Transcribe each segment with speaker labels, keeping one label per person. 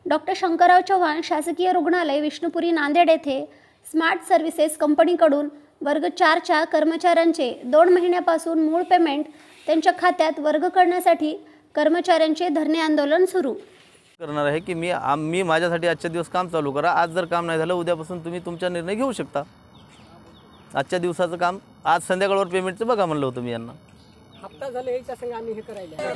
Speaker 1: Doctor Shankarrao Chavan शासकीय रुग्णालय विष्णुपुरी नांदेड येथे स्मार्ट सर्व्हिसेस कंपनीकडून वर्ग 4च्या कर्मचाऱ्यांचे 2 महिन्यापासून मूळ पेमेंट त्यांच्या खात्यात वर्ग करण्यासाठी कर्मचाऱ्यांचे धरणे आंदोलन सुरू
Speaker 2: करणार आहे की मी माझ्यासाठी आजच्या दिवस काम चालू करा। आज जर काम नाही झालं उद्यापासून तुम्ही तुमचा निर्णय घेऊ शकता। आजच्या दिवसाचं काम आज संध्याकाळवर पेमेंटचं बघा म्हणलं होतं मी यांना।
Speaker 3: हप्ता झाले याच्या संग आम्ही हे करायला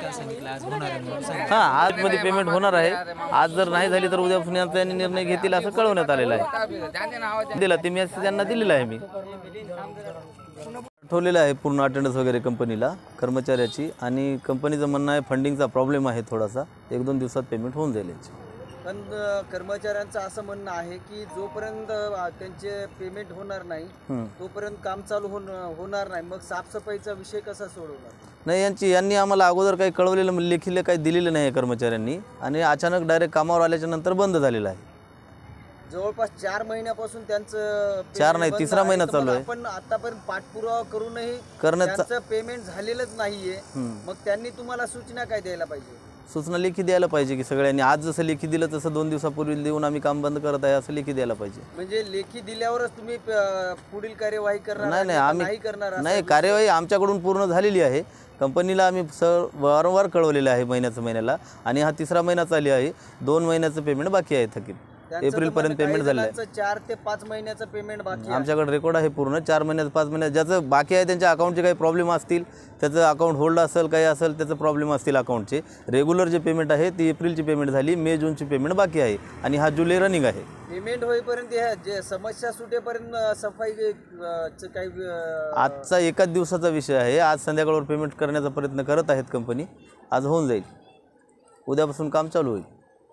Speaker 2: हां, आजमध्ये पेमेंट होणार आहे। आज जर नाही झाली तर उद्यापासून यांचा निर्णय घेतील असं कळवण्यात आलेलं आहे। दिला ते मेसेज त्यांना दिलेला आहे। मी ठेवलेलं आहे पूर्ण अटेंडन्स वगैरे कंपनीला कर्मचाऱ्याची, आणि कंपनीचं म्हणणं आहे फंडिंगचा प्रॉब्लेम आहे थोडासा, 1-2 दिवसात पेमेंट होऊन जाईल याची।
Speaker 4: पण कर्मचाऱ्यांचं असं म्हणणं आहे की जोपर्यंत त्यांचे पेमेंट होणार नाही तोपर्यंत काम चालू होणार नाही। मग साफसफाईचा विषय कसा सोडवणार?
Speaker 2: नाही, यांनी आम्हाला अगोदर काही कळवलेलं लेखीला काही दिलेलं नाही आहे कर्मचाऱ्यांनी, आणि अचानक डायरेक्ट कामावर आल्याच्या नंतर बंद झालेलं आहे।
Speaker 4: जवळपास 4 महिन्यापासून त्यांचं
Speaker 2: 4 नाही 3रा महिना चालू आहे।
Speaker 4: पण आतापर्यंत पाठपुरावा करूनही
Speaker 2: करण्याचं
Speaker 4: त्यांचं पेमेंट झालेलंच नाहीये। मग त्यांनी तुम्हाला सूचना काय द्यायला पाहिजे?
Speaker 2: सूचना लेखी द्यायला पाहिजे की सगळ्यांनी आज जसं लेखी दिलं तसं 2 दिवसापूर्वी देऊन आम्ही काम बंद करत आहे असं लेखी द्यायला पाहिजे।
Speaker 4: म्हणजे लेखी दिल्यावरच तुम्ही पुढील कार्यवाही करणार?
Speaker 2: नाही, आम्ही
Speaker 4: नाही करणार?
Speaker 2: नाही, कार्यवाही आमच्याकडून पूर्ण झालेली आहे। कंपनीला आम्ही वारंवार कळवलेलं आहे महिन्याला, आणि हा 3रा महिना चालू आहे। 2 महिन्याचं पेमेंट बाकी आहे थकीत। एप्रिलपर्यंत पेमेंट झालं आहे।
Speaker 4: 4 ते 5 महिन्याचं पेमेंट बाकी आहे।
Speaker 2: आमच्याकडे रेकॉर्ड आहे पूर्ण 4 महिन्यात 5 महिन्यात ज्याचं बाकी आहे त्यांच्या अकाउंटचे काही प्रॉब्लेम असतील, त्याचं अकाउंट होल्ड असेल काही असेल त्याचं प्रॉब्लेम असतील अकाउंटचे। रेग्युलर जे पेमेंट आहे ती एप्रिलची पेमेंट झाली, मे जूनची पेमेंट बाकी आहे, आणि हा जुलै रनिंग आहे।
Speaker 4: पेमेंट होईपर्यंत जे समस्या सुटेपर्यंत सफाई काही
Speaker 2: आजचा एकाच दिवसाचा विषय आहे। आज संध्याकाळवर पेमेंट करण्याचा प्रयत्न करत आहेत कंपनी, आज होऊन जाईल, उद्यापासून काम चालू होईल।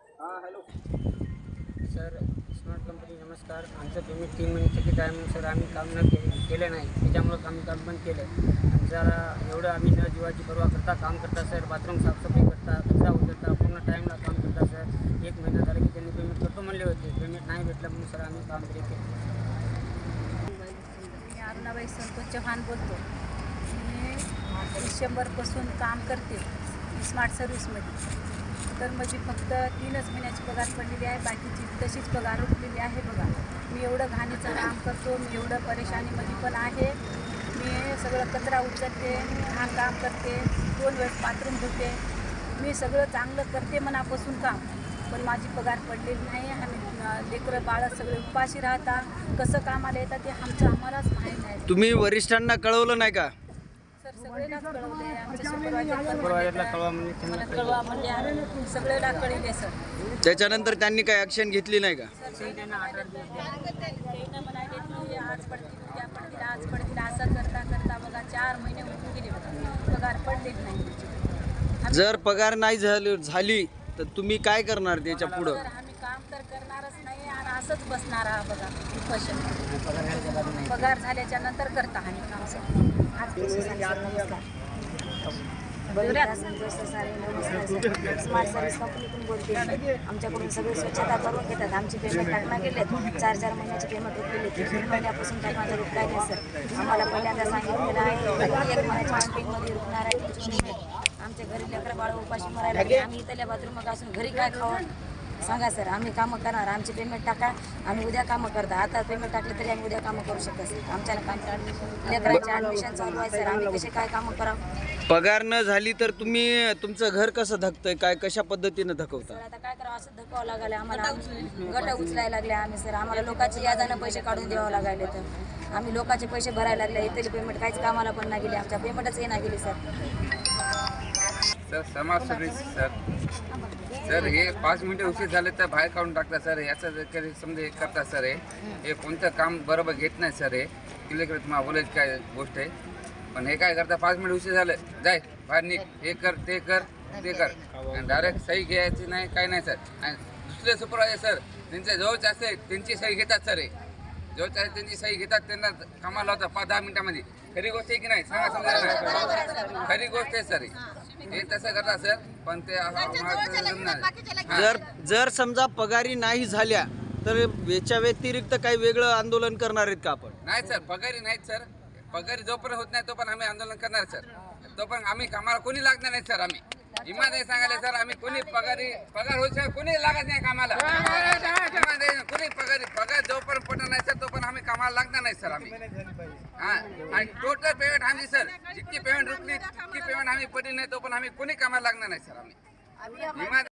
Speaker 3: सर स्मार्ट कंपनी नमस्कार। आमचं पेमेंट 3 महिने थकीत आहे म्हणून सर आम्ही काम न केलं नाही, त्याच्यामुळं आम्ही काम बंद केलं। आणि जरा एवढं आम्ही न जीवाची पर्वा करता काम करता सर, बाथरूम साफसफाई करता, कचरा उचलता, पूर्ण टाईमला काम करता सर। 1 महिना झाला की त्यांनी पेमेंट करतो म्हणले होते, पेमेंट नाही भेटलं म्हणून सर आम्ही काम तरी केलं।
Speaker 5: मी अरुणाबाई संतोष चव्हाण बोलतो। मी डिसेंबरपासून काम करते स्मार्ट सर्व्हिसमध्ये, तर माझी फक्त 3च महिन्याची पगार पडलेली आहे, बाकीची तशीच पगार उठलेली आहे। बघा, मी एवढं घाणीचं काम करतो, मी एवढं परेशानीमध्ये पण आहे। मी सगळं कचरा उचलते, घाण काम करते, 2 वेळेस बाथरूम धुते, मी सगळं चांगलं करते मनापासून काम, पण माझी पगार पडलेली नाही। आम्ही लेकरं बाळं सगळे उपाशी राहतात, कसं कामाला येतात ते आम्हालाच माहीत आहे।
Speaker 4: तुम्ही वरिष्ठांना कळवलं नाही का?
Speaker 5: सर सगळेलाच कळवले, आमच्या सुपरवायझरला कळवा म्हणजे आम्ही सगळेला कळले सर।
Speaker 4: त्याच्यानंतर त्यांनी काही ॲक्शन घेतली नाही का?
Speaker 5: त्यांना म्हणाले की आज पडतील उद्या पडतील आज पडतील असं करता करता बघा 4 महिने होऊन गेले, बघा पगार पडलेच नाही।
Speaker 4: जर पगार नाही झाली तर तुम्ही काय करणार त्याच्या पुढं?
Speaker 5: आम्ही काम तर करणारच नाही आणि असंच बसणार आहात बघा उपोषण। पगार झाल्याच्या नंतर करता आम्ही काम सर।
Speaker 6: स्मार्ट सर्व्हिस कंपनीतून बोलते। आमच्याकडून सगळे स्वच्छता करून घेतात, आमची पेमेंट टाकणार गेले 4-4 महिन्याची पेमेंट उठलेली, 3 महिन्यापासून काही माझं रुपया नाही सर। आम्हाला पहिल्यांदा सांगितलेलं आहे 1 महिन्याच्या पेमेंटमध्ये रुकणार आहे तुमची पेमेंट। आमच्या घरी लेकरं बाळ उपाशी मरायला लागले, आम्ही इथल्या बाथरूम असून घरी काय खावं सांगा सर? आम्ही कामं करणार, आमची पेमेंट टाका, आम्ही उद्या कामं करता। आता पेमेंट टाकले तरी आम्ही उद्या कामं करू शकतो सर। आमच्याला काम लेकरांचे ॲडमिशन चालू आहे सर, आम्ही कसे काय कामं करावं?
Speaker 4: पगार न झाली तर तुम्ही तुमचं घर कसं धकतंय, काय कशा पद्धतीनं धकवता?
Speaker 6: आता काय करावं असं धकावं लागायला आम्हाला, गट उचलायला लागले आम्ही सर। आम्हाला लोकांचे यादानं पैसे काढून द्यावं लागायले, तर आम्ही लोकांचे पैसे भरायला लागले, इथली पेमेंट काहीच कामाला पण नाही गेली, आमच्या पेमेंटच येणार गेली सर।
Speaker 7: सर समाज सर्व्हिस सर हे 5 मिनिटं उशीर झाले तर बाहेर काढून टाकतात सर। याचं समजा करतात सर, हे कोणतं काम बरोबर घेत नाही सर। हे क्लिअर तुम्हाला बोलायची काय गोष्ट आहे, पण हे काय करतात 5 मिनिट उशीर झालं जाय बाहेर निघ, हे कर ते कर ते कर, आणि डायरेक्ट सही घ्यायची नाही काय नाही सर। आणि दुसरे सुपरवायझर सर त्यांच्या जवळचे असते त्यांची सही घेतात सर, जवळच्या त्यांची सही घेतात, त्यांना कामाला होता 5-10 मिनिटामध्ये। खरी गोष्ट आहे की नाही सांगा? समजा खरी गोष्ट आहे सर, हे तसं करतात सर, पण ते
Speaker 4: जर समजा पगारी नाही झाल्या तर याच्या व्यतिरिक्त काही वेगळं आंदोलन करणार आहेत का आपण?
Speaker 7: नाही सर, पगारी नाहीत सर, पगारी जोपर्यंत होत नाही तोपर्यंत आम्ही आंदोलन करणार सर, तोपर्यंत आम्ही कामाला कोणी लागणार नाही सर। आम्ही इमानदारी सांगायला सर आम्ही कोणी पगार होईल सर कोणी लागत नाही कामाला. इमानदारी कोणी पगार जोपर्यंत पडणार नाही सर तोपर्यंत आम्ही कामाला लागणार नाही सर आम्ही. हा आणि टोटल पेमेंट आम्ही सर जितकी पेमेंट रुकली तितकी पेमेंट आम्ही पडली नाही तोपर्यंत आम्ही कोणी कामाला लागणार नाही सर आम्ही.